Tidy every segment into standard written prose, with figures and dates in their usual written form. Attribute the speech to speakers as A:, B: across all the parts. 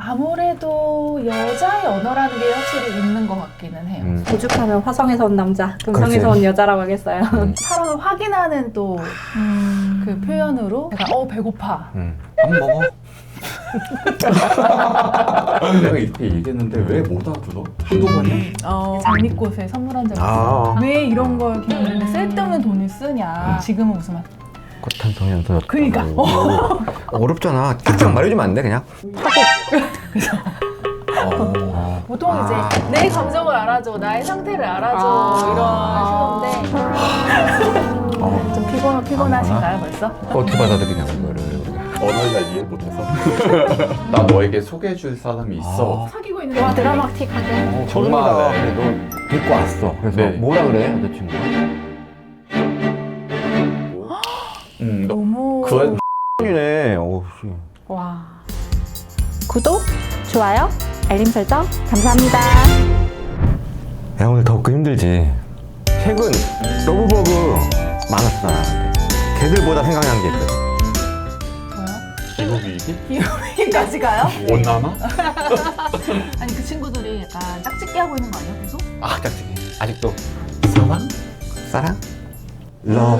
A: 아무래도 여자의 언어라는 게 확실히 있는 것 같기는 해요.
B: 오죽하면 화성에서 온 남자, 금성에서 온 여자라고 하겠어요.
A: 사랑을 확인하는 또 그 표현으로 약간 배고파.
C: 밥 먹어. 내가 이렇게 얘기했는데 왜 못 알아들어? 한두 번이야?
A: 장미꽃에 선물한 적 있어. 왜 이런 걸 그냥 쓸데없는 돈을 쓰냐. 지금은 무슨 말?
D: 꽃한 송이 안 터졌다.
A: 그러니까.
D: 어렵잖아. 딱딱 말해주면 안 돼 그냥?
A: 보통 이제 내 감정을 알아줘, 나의 상태를 알아줘 이런 식인데 좀 피곤하신가요 벌써?
D: 어떻게 받아들이냐 이거를.
C: 언어를 잘 이해 못해서. 나 너에게 소개해줄 사람이 있어.
A: 사귀고 있는
B: 와, 드라마틱하게.
D: 정말.
C: 네.
D: 너 데리고 왔어. 그래서
C: 네.
D: 뭐라 그래 여자친구가?
A: 너무
C: 그
D: 이네. 어우 씨.
B: 와. 구독, 좋아요, 알림 설정 감사합니다.
D: 야 오늘 덥고 힘들지. 최근 러브버그 많았어 나한테. 걔들보다 생각난 게 있거든.
C: 기국이기?
A: 기억이기까지 가요?
C: 원나나?
A: 아니 그 친구들이 약간 짝짓기 하고 있는 거 아니야 계속?
D: 아 짝짝이. 아직도
C: 사랑?
D: 사랑? 러브.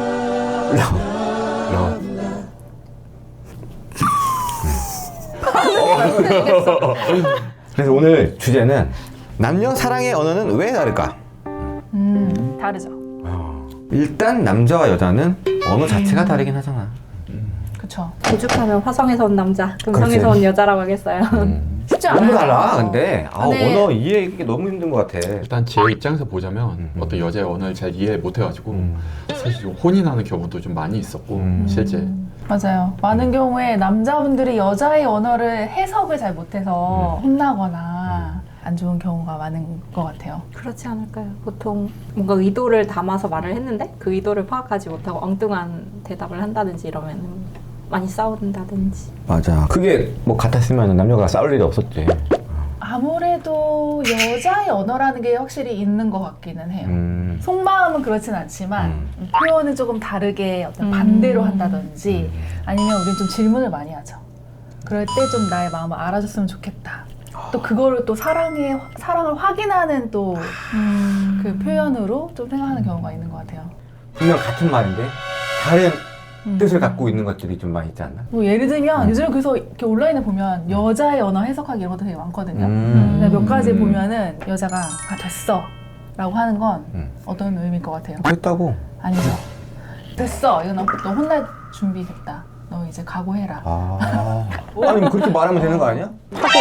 D: 그래서 오늘 주제는 남녀 사랑의 언어는 왜 다를까?
A: 다르죠.
D: 일단 남자와 여자는 언어 자체가 다르긴 하잖아.
A: 그쵸.
B: 오죽하면 화성에서 온 남자, 금성에서
D: 그렇지.
B: 온 여자라고 하겠어요.
A: 쉽지
D: 너무
A: 않아요.
D: 달라. 근데
A: 네.
D: 언어 이해하기 너무 힘든 것 같아.
C: 일단 제 입장에서 보자면 어떤 여자의 언어를 잘 이해 못해가지고 사실 좀 혼이 나는 경우도 좀 많이 있었고 실제
A: 맞아요. 많은 경우에 남자분들이 여자의 언어를 해석을 잘 못해서 혼나거나 안 좋은 경우가 많은 것 같아요.
B: 그렇지 않을까요? 보통 뭔가 의도를 담아서 말을 했는데 그 의도를 파악하지 못하고 엉뚱한 대답을 한다든지 이러면 많이 싸운다든지.
D: 맞아. 그게 뭐 같았으면 남녀가 싸울 일이 없었지.
A: 아무래도 여자의 언어라는 게 확실히 있는 것 같기는 해요. 속마음은 그렇진 않지만 표현을 조금 다르게 어떤 반대로 한다든지 아니면 우린 좀 질문을 많이 하죠. 그럴 때 좀 나의 마음을 알아줬으면 좋겠다. 또 그거를 또 사랑을 확인하는 또 그 표현으로 좀 생각하는 경우가 있는 것 같아요.
D: 분명 같은 말인데 다른 뜻을 갖고 있는 것들이 좀 많이 있지 않나?
A: 뭐 예를 들면 요즘 그래서 이렇게 온라인에 보면 여자의 언어 해석하기 이런 것도 되게 많거든요. 근데 몇 가지 보면은 여자가 됐어 라고 하는 건 어떤 의미일 것 같아요?
D: 그랬다고.
A: 아니죠. 됐어. 이거 너 혼날 준비 됐다. 너 이제 각오해라.
D: 아니 그렇게 말하면 되는 거 아니야?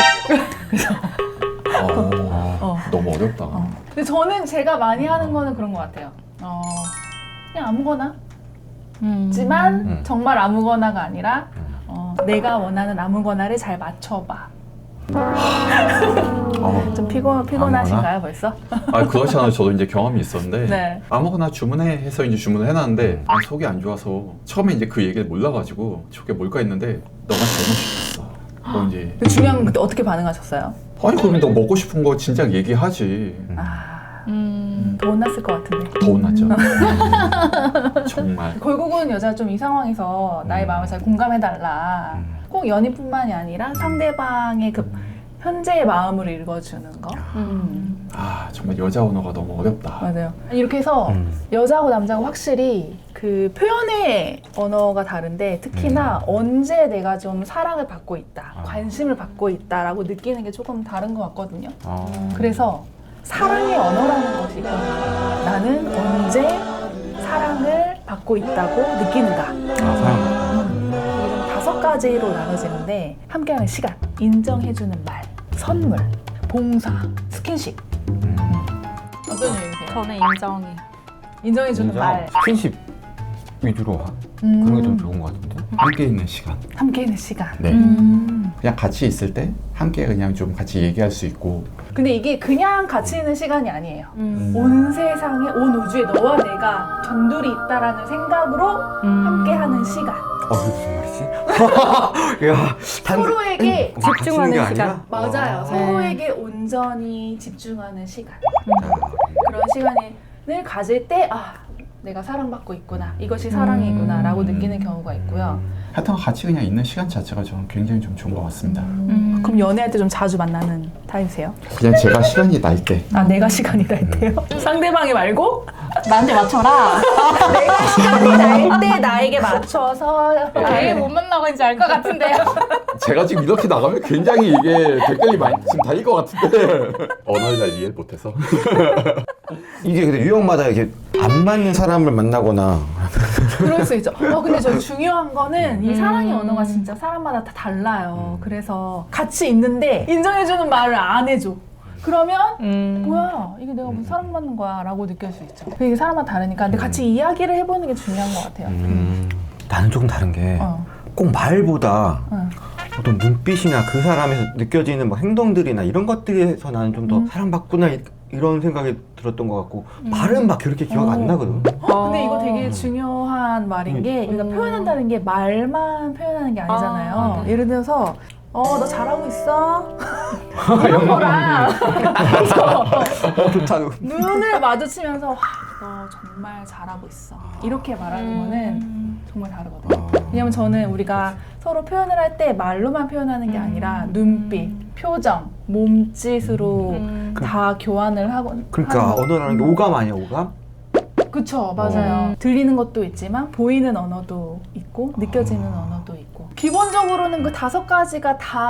C: 너무 어렵다.
A: 근데 저는 제가 많이 하는 거는 그런 것 같아요. 그냥 아무거나. 지만 정말 아무거나가 아니라 내가 원하는 아무거나를 잘 맞춰봐. 좀 피곤하신가요 벌써?
C: 아 그렇지 않아요. 저도 이제 경험이 있었는데
A: 네.
C: 아무거나 주문해 해서 이제 주문을 해놨는데 속이 안 좋아서 처음에 이제 그 얘기를 몰라가지고 저게 뭘까 했는데 너가 잘못 시켰어. 너 이제
A: 중요한 건 그때 어떻게 반응하셨어요?
C: 아니 그러면 너 먹고 싶은 거 진작 얘기하지.
A: 더 혼났을 것 같은데.
C: 더 혼났죠. 정말.
A: 결국은 여자가 좀 이 상황에서 나의 마음을 잘 공감해달라. 꼭 연인뿐만이 아니라 상대방의 그 현재의 마음을 읽어주는 거.
C: 아 정말 여자 언어가 너무 어렵다.
A: 맞아요. 이렇게 해서 여자하고 남자하고 확실히 그 표현의 언어가 다른데 특히나 언제 내가 좀 사랑을 받고 있다, 관심을 받고 있다라고 느끼는 게 조금 다른 것 같거든요. 그래서 사랑의 언어라는 것이 있거든요. 나는 언제 사랑을 받고 있다고 느끼는가.
D: 사랑.
A: 이런 5가지로 나눠지는데 함께하는 시간, 인정해주는 말, 선물, 봉사, 스킨십. 어떤 얘기세요?
B: 저는 인정해요.
A: 인정해주는 말,
D: 스킨십 위주로 그런 게 좀 좋은 것 같은데.
C: 함께 있는 시간.
A: 함께 있는 시간.
C: 네. 그냥 같이 있을 때 함께 그냥 좀 같이 얘기할 수 있고.
A: 근데 이게 그냥 같이 있는 시간이 아니에요. 온 세상에, 온 우주에 너와 내가 전둘이 있다라는 생각으로 함께하는 시간.
D: 그게 무슨 말이지? 야,
A: 서로에게
B: 집중하는
D: 게
B: 시간.
D: 아니라?
A: 맞아요. 서로에게 온전히 집중하는 시간. 그런 시간을 가질 때 내가 사랑받고 있구나. 이것이 사랑이구나 라고 느끼는 경우가 있고요.
C: 하여튼 같이 그냥 있는 시간 자체가 저는 굉장히 좀 좋은 것 같습니다.
A: 그럼 연애할 때 좀 자주 만나는 타입이세요?
C: 그냥 제가 시간이 날 때.
A: 아, 내가 시간이 날 때요? 상대방이 말고?
B: 나한테 맞춰라.
A: 내가 시간이 날 때 나에게 맞춰서
B: 왜 못 만나고 있는지 알 것 같은데요.
C: 제가 지금 이렇게 나가면 굉장히 이게 댓글이 많이 지금 달릴 것 같은데 언어를 잘 이해 못해서.
D: 이게 근데 유형마다 이렇게 안 맞는 사람을 만나거나
A: 그럴 수 있죠. 근데 저 중요한 거는 이 사랑의 언어가 진짜 사람마다 다 달라요. 그래서 같이 있는데 인정해주는 말을 안 해줘. 그러면 뭐야 이게 내가 무슨 사랑받는 거야 라고 느낄 수 있죠. 이게 사람마다 다르니까 근데 같이 이야기를 해보는 게 중요한 것 같아요.
D: 나는 조금 다른 게 꼭 말보다 어떤 눈빛이나 그 사람에서 느껴지는 뭐 행동들이나 이런 것들에서 나는 좀 더 사랑받구나 이런 생각이 들었던 것 같고 말은 막 그렇게 기억 안 나거든.
A: 근데 이거 되게 중요한 말인 게 우리가 표현한다는 게 말만 표현하는 게 아니잖아요. 예를 들어서 너 잘하고 있어. 이런 거랑
D: 좋다.
A: 눈을 마주치면서 와, 너 정말 잘하고 있어. 이렇게 말하는 거는 정말 다르거든요. 왜냐면 저는 우리가 서로 표현을 할 때 말로만 표현하는 게 아니라 눈빛, 표정, 몸짓으로 다 교환을 하고.
D: 그러니까
A: 하는 거.
D: 언어라는 게 오감 아니야, 오감?
A: 그쵸, 맞아요. 들리는 것도 있지만 보이는 언어도 있고 느껴지는 언어도 있고 기본적으로는 그 5가지가 다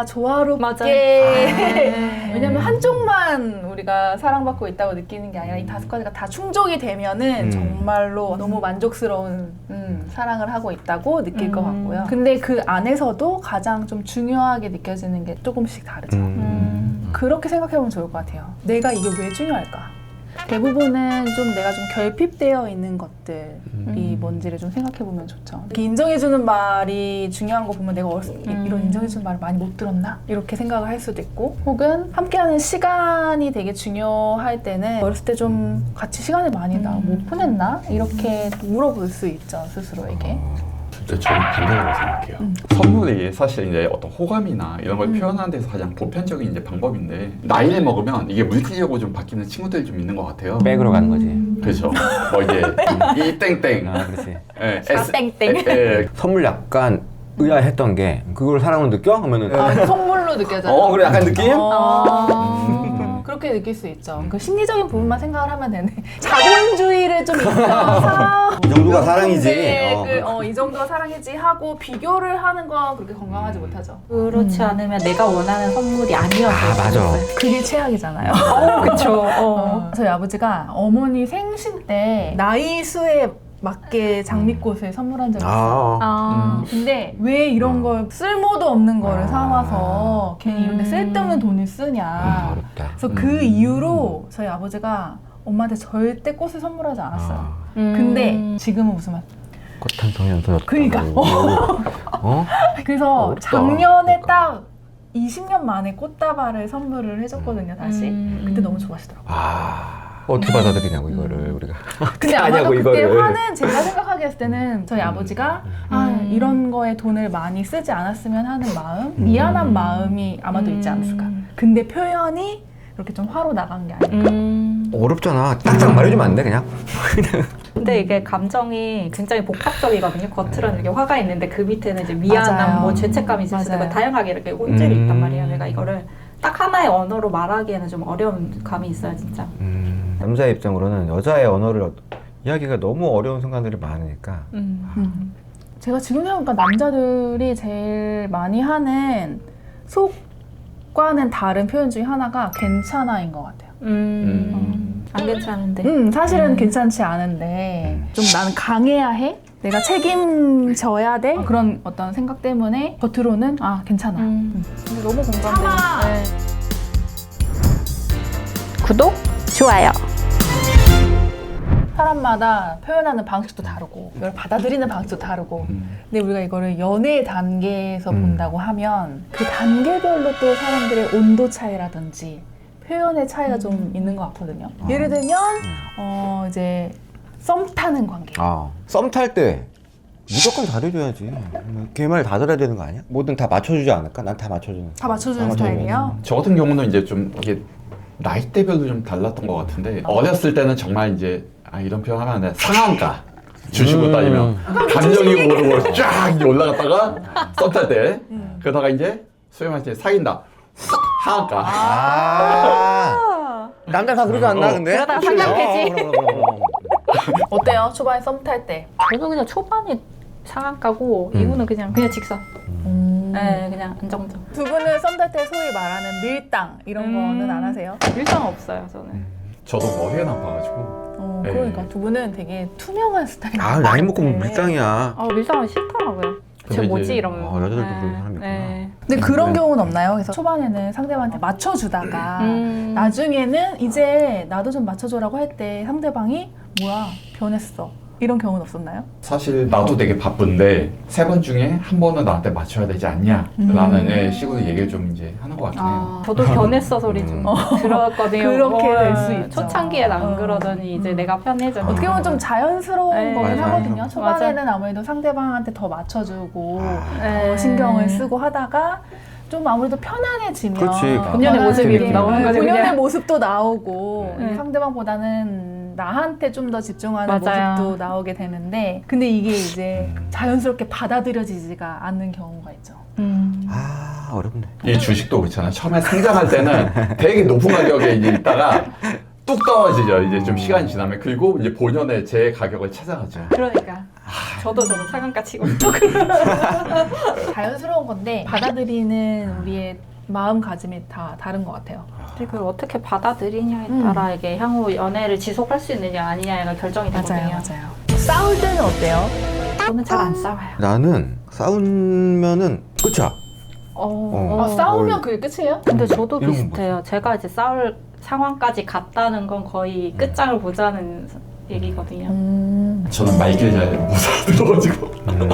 A: 조화롭게 왜냐면 한쪽만 우리가 사랑받고 있다고 느끼는 게 아니라 이 5가지가 다 충족이 되면은 정말로 너무 만족스러운 사랑을 하고 있다고 느낄 것 같고요. 근데 그 안에서도 가장 좀 중요하게 느껴지는 게 조금씩 다르죠. 그렇게 생각해보면 좋을 것 같아요. 내가 이게 왜 중요할까? 대부분은 좀 내가 좀 결핍되어 있는 것들이 뭔지를 좀 생각해보면 좋죠. 이렇게 인정해주는 말이 중요한 거 보면 내가 어렸을 때 이런 인정해주는 말을 많이 못 들었나? 이렇게 생각을 할 수도 있고 혹은 함께하는 시간이 되게 중요할 때는 어렸을 때 좀 같이 시간을 많이 나 못 보냈나? 이렇게 물어볼 수 있죠, 스스로에게.
C: 진짜 저는 반대라고 생각해요. 선물이 사실 이제 어떤 호감이나 이런 걸 표현하는 데서 가장 보편적인 이제 방법인데 나이를 먹으면 이게 물질적으로 좀 바뀌는 친구들이 좀 있는 것 같아요.
D: 백으로 가는 거지.
C: 그렇죠. 뭐 이제 이 땡땡,
D: 아, 그렇지.
C: 예,
B: 땡땡.
D: 선물 약간 의아했던 게 그걸 사랑으로 느껴? 하면은
A: 속물로 느껴져요.
D: 그래 약간 느낌?
A: 그렇게 느낄 수 있죠. 그 심리적인 부분만 생각을 하면 되네. 자본주의를 좀 있어서
D: 이 정도가 사랑이지.
A: 이 정도가 사랑이지 하고 비교를 하는 건 그렇게 건강하지 못하죠.
B: 그렇지 않으면 내가 원하는 선물이 아니어서.
D: 아 맞아.
A: 그게 최악이잖아요.
B: 그쵸.
A: 저희 아버지가 어머니 생신 때 나이 수에 맞게 장미꽃을 선물한 적이 있어요. 근데 왜 이런 걸 쓸모도 없는 거를 사와서 괜히 이런 데 쓸데없는 돈을 쓰냐.
D: 어렵다.
A: 그래서 그 이후로 저희 아버지가 엄마한테 절대 꽃을 선물하지 않았어요. 근데 지금은 무슨 말?
D: 꽃 한 송이 안 터졌다.
A: 그러니까. 그래서
C: 어렵다.
A: 작년에 딱 20년 만에 꽃다발을 선물을 해줬거든요, 다시. 그때 너무 좋아하시더라고요.
D: 어떻게 받아들이냐고 이거를 우리가.
A: 근데
D: 아냐고,
A: 아마도 그때
D: 이거를.
A: 화는 제가 생각하게 했을 때는 저희 아버지가 이런 거에 돈을 많이 쓰지 않았으면 하는 마음, 미안한 마음이 아마도 있지 않았을까. 근데 표현이 이렇게 좀 화로 나간 게 아닐까.
D: 어렵잖아. 딱딱 말해주면 안 돼 그냥?
B: 근데 이게 감정이 굉장히 복합적이거든요. 겉으로는 이렇게 화가 있는데 그 밑에는 이제 미안함,
A: 맞아요.
B: 뭐 죄책감이 있을 수도 있고
A: 맞아요.
B: 다양하게 이렇게 혼줄이 있단 말이에요. 내가 이거를 딱 하나의 언어로 말하기에는 좀 어려운 감이 있어요, 진짜.
D: 남자의 입장으로는 여자의 언어를 이야기가 너무 어려운 순간들이 많으니까.
A: 제가 지금 생각해보니까 남자들이 제일 많이 하는 속과는 다른 표현 중에 하나가 괜찮아인 것 같아요.
B: 안 괜찮은데.
A: 사실은 괜찮지 않은데 좀 나는 강해야 해? 내가 책임져야 돼? 그런 어떤 생각 때문에 겉으로는 괜찮아. 근데 너무 공감돼요. 네.
B: 구독, 좋아요.
A: 사람마다 표현하는 방식도 다르고 이걸 받아들이는 방식도 다르고 근데 우리가 이거를 연애 단계에서 본다고 하면 그 단계별로 또 사람들의 온도 차이라든지 표현의 차이가 좀 있는 것 같거든요. 예를 들면 이제 썸 타는 관계.
D: 썸 탈 때 무조건 잘해줘야지. 걔 말 다 들어야 되는 거 아니야? 뭐든 다 맞춰주지 않을까? 난 다 맞춰주는.
A: 다 맞춰주는 스타일이에요?
C: 저 같은 경우는 이제 좀 이게 나이대별로 좀 달랐던 것 같은데 어렸을 때는 정말 이제 이런 표현하면 안 돼. 상한가. 주식으로 따지면 감정이 모르고 쫙 이제 올라갔다가 썸 탈 때 그러다가 이제 소위 말해서 사귄다 하한가
D: 남자 다 그러지 않나 근데?
B: 그러다가 상냥패지.
D: 그럼.
A: 어때요? 초반에 썸 탈 때?
B: 저도 그냥 초반이 상한가고 이후는 그냥 직선. 네, 그냥 안정적.
A: 두 분은 썸 탈 때 소위 말하는 밀당 이런 거는 안 하세요?
B: 일상 없어요, 저는.
C: 저도 머리가 나빠가지고 네.
A: 그러니까 두 분은 되게 투명한 스타일인
D: 아
A: 것
D: 나이 먹고
A: 같아.
D: 밀당이야.
B: 밀당은 싫더라고요.
C: 근데
B: 쟤
C: 이제-
B: 뭐지 이러면.
D: 여자들도 그런 사람이 있구나.
A: 근데 그런 경우는 없나요? 그래서 초반에는 상대방한테 맞춰주다가 나중에는 이제 나도 좀 맞춰줘라고 할 때 상대방이 뭐야 변했어 이런 경우는 없었나요?
C: 사실 나도 되게 바쁜데 3번 중에 한 번은 나한테 맞춰야 되지 않냐 라는 식으로 얘기를 좀 이제 하는 것 같긴 해요.
B: 저도 변했어 소리 좀 들었거든요.
A: 그렇게 될 수 있죠.
B: 초창기엔 안 그러더니 이제 내가 편해져.
A: 어떻게 보면 좀 자연스러운
B: 네.
A: 거긴
D: 맞아요.
A: 하거든요. 초반에는 아무래도 상대방한테 더 맞춰주고
B: 네.
A: 더 신경을 쓰고 하다가 좀 아무래도 편안해지면
D: 그렇지.
B: 본연의 모습이
A: 편안하게
B: 나오는 거죠,
A: 본연의
B: 그냥.
A: 모습도 나오고
B: 네.
A: 상대방보다는 나한테 좀 더 집중하는
B: 맞아요.
A: 모습도 나오게 되는데 근데 이게 이제 자연스럽게 받아들여지지가 않는 경우가 있죠.
D: 아 어렵네.
C: 이 주식도 그렇잖아요. 처음에 상장할 때는 되게 높은 가격에 이제 있다가 뚝 떨어지죠. 이제 좀 시간이 지나면. 그리고 이제 본연의 제 가격을 찾아가죠.
B: 그러니까 저도 상한가 치고.
A: 자연스러운 건데 받아들이는 우리의 마음가짐이 다 다른 것 같아요.
B: 근데 그걸 어떻게 받아들이냐에 따라 이게 향후 연애를 지속할 수 있느냐 아니냐가 결정이 되거든요.
A: 맞아요. 싸울 때는 어때요?
B: 저는 잘 안 싸워요.
D: 나는 싸우면은 끝이야.
A: 싸우면 그게 끝이에요?
B: 근데 저도
D: 이런 건
B: 비슷해요. 제가 이제 싸울 상황까지 갔다는 건 거의 끝장을 보자는 얘기거든요.
C: 저는 말귀를 잘 못 알아들어가지고.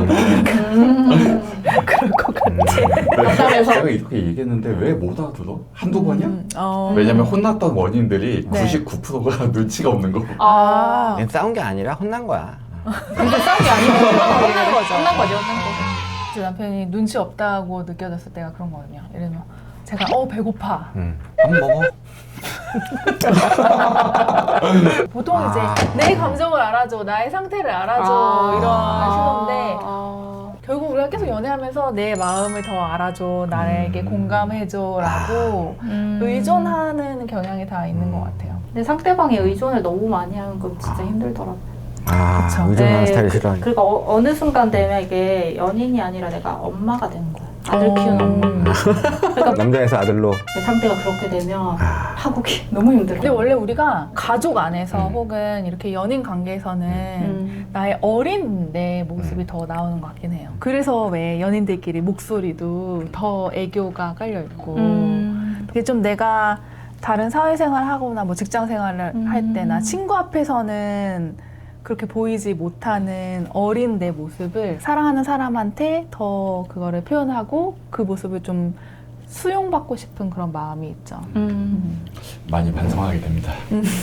A: 그럴 것 같아.
B: 답답해서.
C: 제가 이렇게 얘기했는데 왜 못 알아들어? 한두 번이야?
A: 어.
C: 왜냐면 혼났던 원인들이
A: 네.
C: 99%가 눈치가 없는 거.
A: 아.
D: 얘 싸운 게 아니라 혼난 거야.
B: 근데 싸운 게 아니고
A: 혼난 거죠.
B: 혼난 거죠.
A: 제 남편이 눈치 없다고 느껴졌을 때가 그런 거거든요. 예를 들면 제가 배고파.
D: 밥 먹어.
A: 보통 이제 내 감정을 알아줘, 나의 상태를 알아줘 이런 신호인데 결국 우리가 계속 연애하면서 내 마음을 더 알아줘, 나에게 공감해줘라고 의존하는 경향이 다 있는 것 같아요.
B: 근데 상대방의 의존을 너무 많이 하는 건 진짜 힘들더라고요.
A: 그쵸.
D: 의존하는
B: 네,
D: 스타일이 싫어.
B: 그리고 어느 순간 되면 이게 연인이 아니라 내가 엄마가 되는 거야. 아들 키우는 엄마. 그러니까
D: 남자에서 아들로.
B: 상대가 그렇게 되면 파국이 너무 힘들어.
A: 근데 원래 우리가 가족 안에서 혹은 이렇게 연인 관계에서는 나의 어린 내 모습이 더 나오는 것 같긴 해요. 그래서 왜 연인들끼리 목소리도 더 애교가 깔려있고 그게 좀 내가 다른 사회생활 하거나 뭐 직장 생활을 할 때나 친구 앞에서는 그렇게 보이지 못하는 어린 내 모습을 사랑하는 사람한테 더 그거를 표현하고 그 모습을 좀 수용받고 싶은 그런 마음이 있죠.
C: 많이 반성하게 됩니다.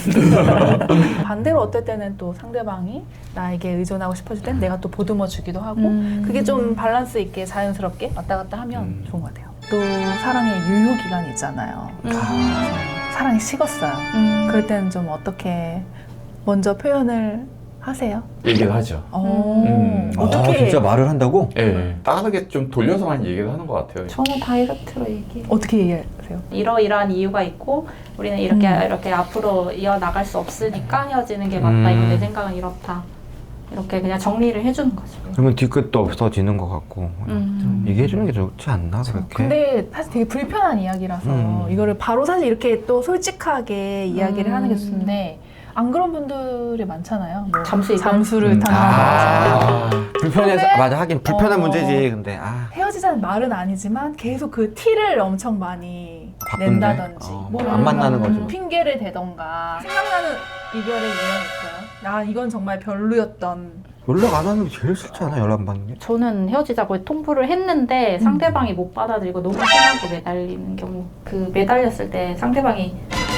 A: 반대로 어떨 때는 또 상대방이 나에게 의존하고 싶어질 땐 내가 또 보듬어 주기도 하고 그게 좀 밸런스 있게 자연스럽게 왔다 갔다 하면 좋은 것 같아요. 또 사랑의 유효 기간이 있잖아요. 사랑이 식었어요. 그럴 때는 좀 어떻게 먼저 표현을 하세요?
C: 얘기를 하죠.
A: 어떻게
D: 진짜 말을 한다고?
C: 예. 다르게 좀 돌려서 많이 얘기를 하는 것 같아요.
B: 저는 다이렉트로 얘기해.
A: 어떻게 얘기하세요?
B: 이러이러한 이유가 있고 우리는 이렇게 앞으로 이어나갈 수 없으니까 헤어지는 게 맞다. 이거 내 생각은 이렇다. 이렇게 그냥 정리를 해주는 거죠.
D: 그러면 뒤끝도 없어지는 것 같고 얘기해주는 게 좋지 않나 그렇게?
A: 근데 사실 되게 불편한 이야기라서 이거를 바로 사실 이렇게 또 솔직하게 이야기를 하는 게 좋은데 안 그런 분들이 많잖아요. 뭐 잠수를 탄다든지
D: 불편해서
A: 근데-
D: 맞아 하긴 불편한 문제지. 근데
A: 헤어지자는 말은 아니지만 계속 그 티를 엄청 많이
D: 바쁜데?
A: 낸다든지 뭐
D: 안 만나는 거죠.
A: 핑계를 대던가 생각나는 이별의 유형 있어요? 이건 정말 별로였던
D: 연락 안 하는 게 제일 싫지 않아? 연락 안 받는 게?
B: 저는 헤어지자고 통보를 했는데 상대방이 못 받아들이고 너무 심하게 매달리는 경우. 그 매달렸을 때 상대방이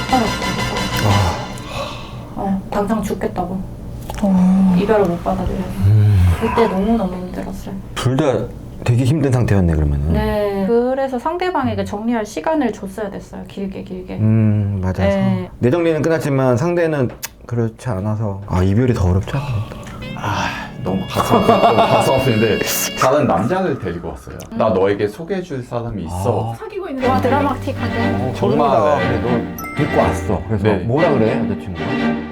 B: 당장 죽겠다고 이별을 못 받아들여요. 그때 너무너무 힘들었어요.
D: 둘 다 되게 힘든 상태였네 그러면은.
B: 네. 그래서 상대방에게 정리할 시간을 줬어야 됐어요. 길게.
D: 맞아서.
B: 네.
D: 내 정리는 끝났지만 상대는 그렇지 않아서 이별이 더 어렵지 않나?
C: 너무 가슴 아픈데 다른 남자를 데리고 왔어요. 나 너에게 소개해줄 사람이 있어.
A: 사귀고 있는
B: 와 드라마틱하게.
C: 정말.
D: 그래, 너 데리고 왔어. 그래서
C: 네.
D: 뭐라 그래 여자친구가?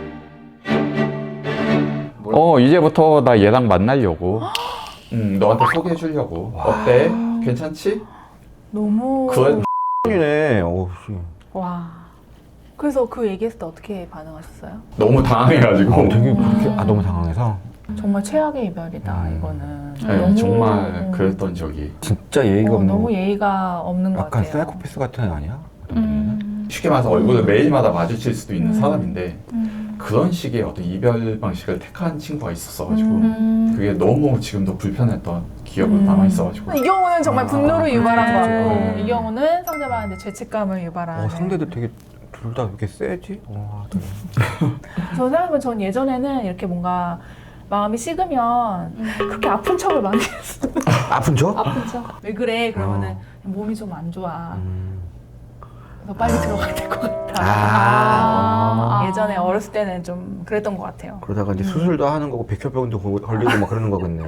C: 이제부터 나 얘랑 만나려고. 너한테 소개해주려고. 어때? 괜찮지?
A: 너무
C: 그
D: 이네. 오 씨.
B: 와.
A: 그래서 그 얘기했을 때 어떻게 반응하셨어요?
C: 너무 당황해가지고.
D: 되게 그렇게 너무 당황해서
A: 정말 최악의 이별이다 이거는.
C: 네,
A: 너무,
C: 정말 그랬던 적이.
D: 진짜 예의가 없는.
A: 너무 예의가 없는 것
D: 약간
A: 같아요.
D: 사이코패스 같은 애 아니야?
C: 쉽게 말해서 얼굴을 매일마다 마주칠 수도 있는
A: 음.
C: 사람인데 그런 식의 어떤 이별 방식을 택한 친구가 있었어가지고
A: 음.
C: 그게 너무 지금도 불편했던 기억으로 남아있어가지고
A: 이 경우는 정말 분노를 유발한
B: 그렇죠.
A: 거고 이 경우는 상대방한테 죄책감을 유발하는.
D: 상대도 되게 둘 다 그렇게 세지? 되게.
A: 저 생각해보면 전 예전에는 이렇게 뭔가 마음이 식으면 그렇게 아픈 척을 많이 했어요.
D: 아픈 척?
B: 아픈 척.
A: 왜 그래? 그러면은 몸이 좀 안 좋아. 너 빨리 들어가야 될 것 같아.
B: 아.
A: 예전에 어렸을 때는 좀 그랬던 것 같아요.
D: 그러다가 이제 수술도 하는 거고 백혈병도 걸리고 막 그러는 거겠네.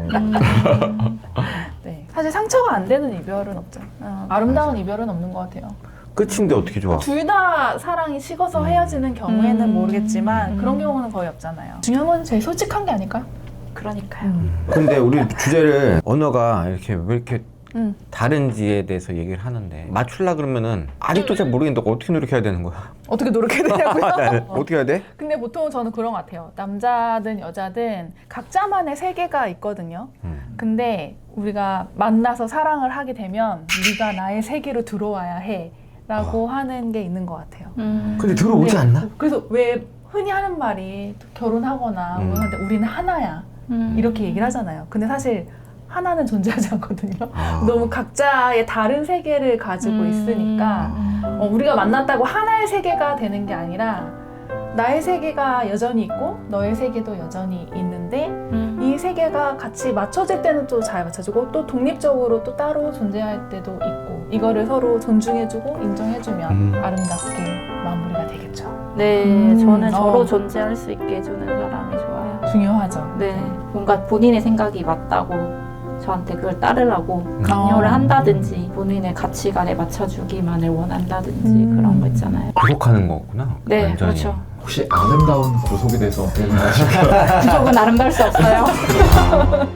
A: 네. 사실 상처가 안 되는 이별은 없죠. 아름다운 이별은 없는 것 같아요.
D: 끝인데 어떻게 좋아?
A: 둘 다 사랑이 식어서 헤어지는 경우에는 모르겠지만 그런 경우는 거의 없잖아요. 중요한 건 제일 솔직한 게 아닐까요?
B: 그러니까요.
D: 근데 우리 주제를 언어가 이렇게 왜 이렇게
A: 음.
D: 다른지에 대해서 얘기를 하는데 맞추려 그러면은 아직도 잘 모르겠는데 어떻게 노력해야 되는 거야?
A: 어떻게 노력해야 되냐고요?
D: 어떻게 해야 돼?
A: 근데 보통 저는 그런 것 같아요. 남자든 여자든 각자만의 세계가 있거든요. 근데 우리가 만나서 사랑을 하게 되면 네가 나의 세계로 들어와야 해 라고 하는 게 있는 것 같아요.
D: 근데 들어오지
A: 네.
D: 않나?
A: 그래서 왜 흔히 하는 말이 결혼하거나 뭐 하는데 우리는 하나야 이렇게 얘기를 하잖아요. 근데 사실 하나는 존재하지 않거든요. 너무 각자의 다른 세계를 가지고 있으니까 우리가 만났다고 하나의 세계가 되는 게 아니라 나의 세계가 여전히 있고 너의 세계도 여전히 있는데 이 세계가 같이 맞춰질 때는 또 잘 맞춰지고 또 독립적으로 또 따로 존재할 때도 있고 이거를 서로 존중해주고 인정해주면 아름답게 마무리가 되겠죠.
B: 네, 저는
A: 어.
B: 저로 존재할 수 있게 해주는 사람이 좋아요.
A: 중요하죠.
B: 네, 뭔가 본인의 생각이 맞다고 저한테 그걸 따르라고 강요를 한다든지 본인의 가치관에 맞춰주기만을 원한다든지 그런 거 있잖아요.
D: 구속하는 거구나.
B: 네,
D: 완전히.
B: 그렇죠.
C: 혹시 아름다운 구속에 대해서 어떻게 생각하실까요?
B: 구속은 아름다울 수 없어요.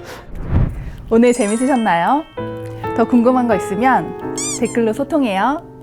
A: 오늘 재밌으셨나요? 더 궁금한 거 있으면 댓글로 소통해요.